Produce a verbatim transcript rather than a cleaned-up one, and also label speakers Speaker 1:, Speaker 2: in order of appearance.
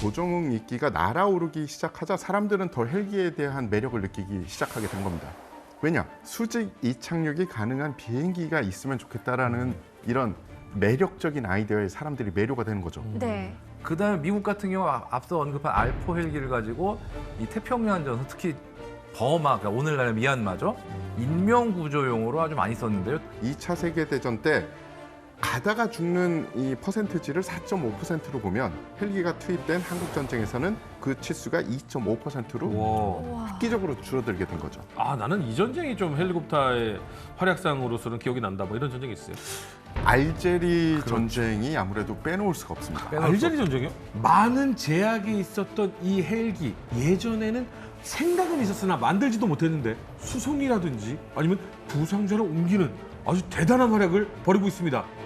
Speaker 1: 조종 인기가 날아오르기 시작하자 사람들은 더 헬기에 대한 매력을 느끼기 시작하게 된 겁니다. 왜냐? 수직 이착륙이 가능한 비행기가 있으면 좋겠다라는 이런 매력적인 아이디어에 사람들이 매료가 되는 거죠.
Speaker 2: 네.
Speaker 3: 그다음에 미국 같은 경우 아- 앞서 언급한 알포 헬기를 가지고 이 태평양 전선 특히 버마, 그러니까 오늘날의 미얀마죠. 인명 구조용으로 아주 많이 썼는데요.
Speaker 1: 이 차 세계대전 때 가다가 죽는 이 퍼센트지를 사 점 오 퍼센트로 보면 헬기가 투입된 한국 전쟁에서는 그 치수가 이 점 오 퍼센트로
Speaker 4: 와.
Speaker 2: 와.
Speaker 1: 획기적으로 줄어들게 된 거죠.
Speaker 4: 아, 나는 이 전쟁이 좀 헬리콥터의 활약상으로서는 기억이 난다. 뭐 이런 전쟁이 있어요.
Speaker 1: 알제리 전쟁이 아무래도 빼놓을 수가 없습니다.
Speaker 3: 빼놓을
Speaker 4: 알제리 전쟁이요? 많은 제약이 있었던 이 헬기. 예전에는 생각은 있었으나 만들지도 못했는데 수송이라든지 아니면 부상자를 옮기는 아주 대단한 활약을 벌이고 있습니다.